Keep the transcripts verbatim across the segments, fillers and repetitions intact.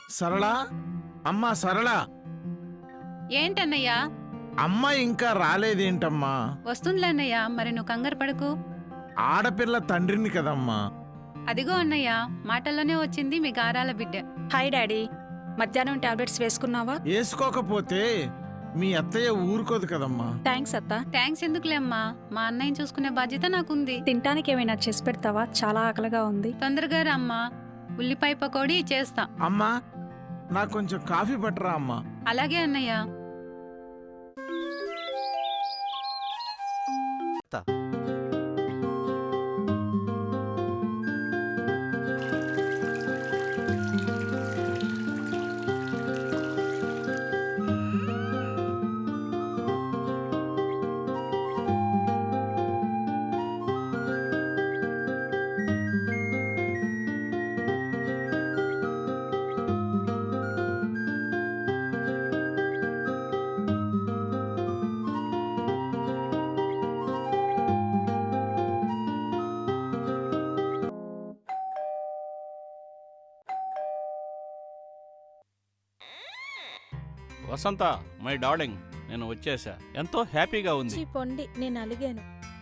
సరళ, అమ్మా సరళ, ఏంటన్నయ్యా? అమ్మ ఇంకా రాలేదేంటమ్మా? వస్తుందిలే అన్నయ్య, మరి నువ్వు కంగారు పడకు. ఆడపిల్ల తండ్రిని కదమ్మా. అదిగో అన్నయ్య, మాటల్లోనే వచ్చింది మీ గారాల బిడ్డ. హాయ్ డాడీ, మధ్యాహ్నం టాబ్లెట్స్ వేసుకున్నావా? వేసుకోకపోతే మీ అత్తయ్య ఊరుకోదు కదమ్మా. థ్యాంక్స్ అత్త. థ్యాంక్స్ ఎందుకులే అమ్మా, మా అన్నయ్యని చూసుకునే బాధ్యత నాకుంది. తినటానికి ఏమైనా చేసి పెడతావా? చాలా ఆకలిగా ఉంది. తొందరగా రా అమ్మా, ఉల్లిపాయ పకోడీ చేస్తా. అమ్మా, నాకు కొంచెం కాఫీ పట్టరా అమ్మా. అలాగే అన్నయ్య. వసంత, మై డార్లింగ్, నేను వచ్చేసా. ఎంతో హ్యాపీగా ఉంది. పొండి, నేను అలిగాను.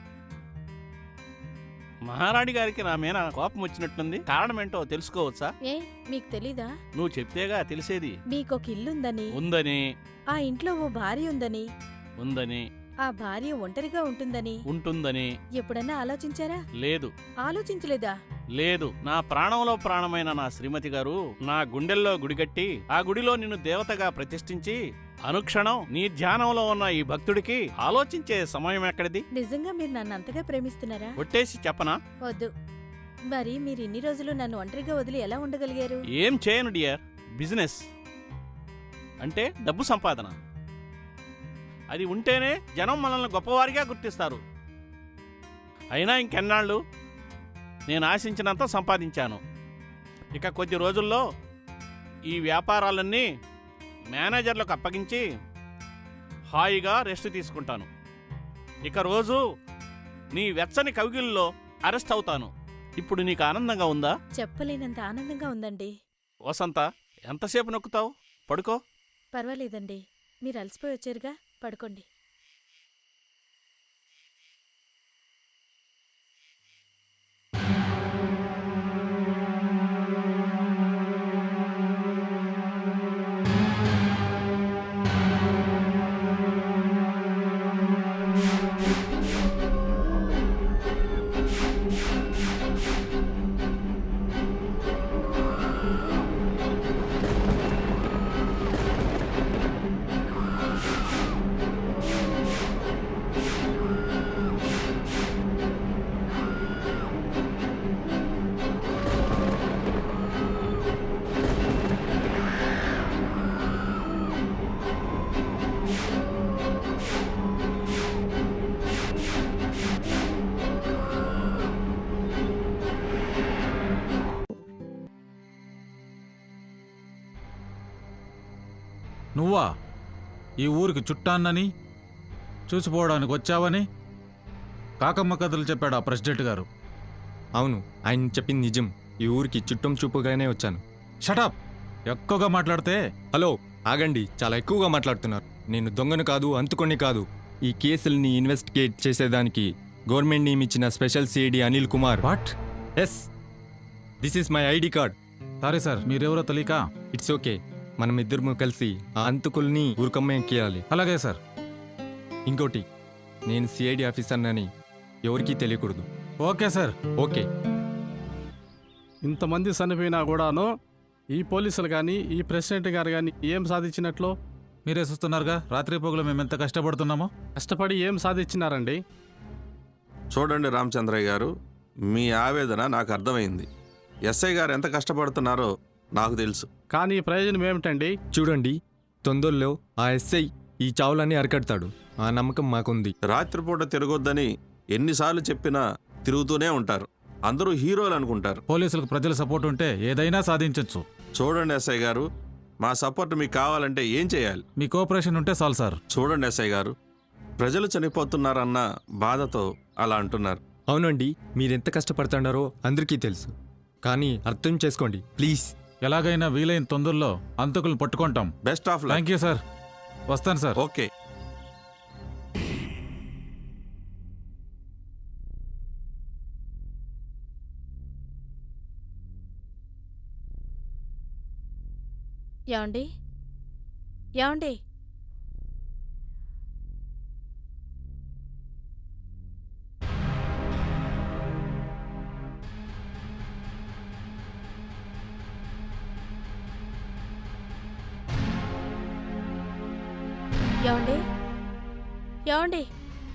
మహారాణి గారికి నా మీద కోపం వచ్చినట్లుంది. కారణం ఏంటో తెలుసుకోవచ్చా? ఏ మీకు తెలీదా? నువ్వు చెప్తేగా తెలిసేది. మీకొక ఇల్లుందని, ఉందని, ఆ ఇంట్లో ఓ భార్య ఉందని, ఉందని, ఆ భార్య ఒంటరిగా ఉంటుందని ఉంటుందని ఎప్పుడన్నా ఆలోచించారా? లేదు. ఆలోచించలేదా? లేదు. నా ప్రాణంలో ప్రాణమైన నా శ్రీమతి గారు నా గుండెల్లో గుడిగట్టి ఆ గుడిలో నిన్ను దేవతగా ప్రతిష్ఠించి అనుక్షణం నీ ధ్యానంలో ఉన్న ఈ భక్తుడికి ఆలోచించే సమయం ఎక్కడిది? నిజంగా మీరు నన్ను అంతగా ప్రేమిస్తున్నారా? ఒట్టేసి చెప్పనా? వద్దు. మరి మీరు ఇన్ని రోజులు నన్ను ఒంటరిగా వదిలి ఎలా ఉండగలిగారు? ఏం చేయను డియర్. బిజినెస్ అంటే డబ్బు సంపాదన. అది ఉంటేనే జనం మనల్ని గొప్పవారిగా గుర్తిస్తారు. అయినా ఇంకెన్నాళ్ళు నేను ఆశించినంత సంపాదించాను. ఇక కొద్ది రోజుల్లో ఈ వ్యాపారాలన్నీ మేనేజర్లకు అప్పగించి హాయిగా రెస్ట్ తీసుకుంటాను. ఇక రోజు నీ వెచ్చని కవిగిల్లో అరెస్ట్ అవుతాను. ఇప్పుడు నీకు ఆనందంగా ఉందా? చెప్పలేనంత ఆనందంగా ఉందండి. వసంత, ఎంతసేపు నొక్కుతావు? పడుకో. పర్వాలేదండి, మీరు అలసిపోయి వచ్చారుగా, పడుకోండి. నువ్వా ఈ ఊరికి చుట్టాన్నని చూసిపోవడానికి వచ్చావని కాకమ్మ కథలు చెప్పాడు ఆ ప్రెసిడెంట్ గారు. అవును, ఆయన చెప్పింది నిజం. ఈ ఊరికి చుట్టం చూపుగానే వచ్చాను. షటప్! ఎక్కువగా మాట్లాడితే. హలో, ఆగండి. చాలా ఎక్కువగా మాట్లాడుతున్నారు. నేను దొంగను కాదు, అంతుకొని కాదు. ఈ కేసుల్ని ఇన్వెస్టిగేట్ చేసేదానికి గవర్నమెంట్ నియమించిన special CID Anil Kumar. What? Yes, this is my ID card. Sorry sir, మీరెవరో తెలియక. It's okay. మనం ఇద్దరు కలిసి ఆ అంతుకుల్ని ఊరుకమ్మేయాలి. అలాగే సార్. ఇంకోటి, నేను సిఐడి ఆఫీసర్నని ఎవరికీ తెలియకూడదు. Okay sir. ఓకే. ఇంతమంది చనిపోయినా కూడాను ఈ పోలీసులు కానీ ఈ ప్రెసిడెంట్ గారు కానీ ఏం సాధించినట్లు? మీరే చూస్తున్నారుగా, రాత్రి పొగలు మేము ఎంత కష్టపడుతున్నామో. కష్టపడి ఏం సాధించినారండి? చూడండి రామచంద్రయ్య గారు, మీ ఆవేదన నాకు అర్థమైంది. ఎస్ఐ గారు ఎంత కష్టపడుతున్నారో నాకు తెలుసు. కానీ ప్రయోజనం ఏమిటండి? చూడండి, తొందరలో ఆ ఎస్ఐ ఈ చావులన్నీ అరికడతాడు. ఆ నమ్మకం మాకుంది. రాత్రిపూట తిరగొద్దని ఎన్నిసార్లు చెప్పినా తిరుగుతూనే ఉంటారు. అందరూ హీరోలు అనుకుంటారు. పోలీసులకు ప్రజల సపోర్ట్ ఉంటే ఏదైనా సాధించవచ్చు. చూడండి ఎస్ఐ గారు, మా సపోర్ట్ మీకు కావాలంటే ఏం చేయాలి? మీ కోఆపరేషన్ ఉంటే చాలు సార్. చూడండి ఎస్ఐ గారు, ప్రజలు చనిపోతున్నారన్న బాధతో అలా అంటున్నారు. అవునండి, మీరెంత కష్టపడుతున్నారో అందరికీ తెలుసు. కానీ అర్థం చేసుకోండి ప్లీజ్. ఎలాగైనా వీలైన తొందరలో అంతకులను పట్టుకుంటాం. Best of luck. Thank you sir. వస్తాను సార్. ఓకే. యాండి యాండి యాండి యాండి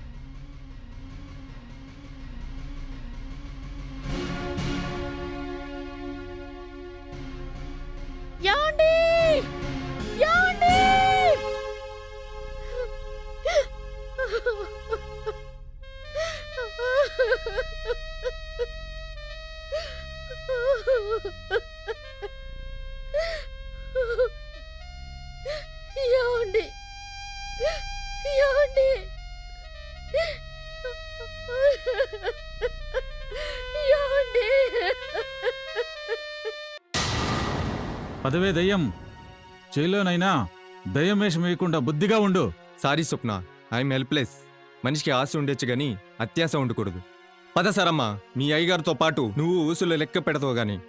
యాండి యాండి యాండి యాండి యాండి పదవే దయ్యం, చేలోనైనా దయ్యం వేషం వేయకుండా బుద్ధిగా ఉండు. Sorry Swapna, I'm helpless. మనిషికి ఆశ ఉండొచ్చు గాని అత్యాశ ఉండకూడదు. పద సరమ్మా, మీ అయ్యగారితో పాటు నువ్వు ఊసులు లెక్క పెడతావు గాని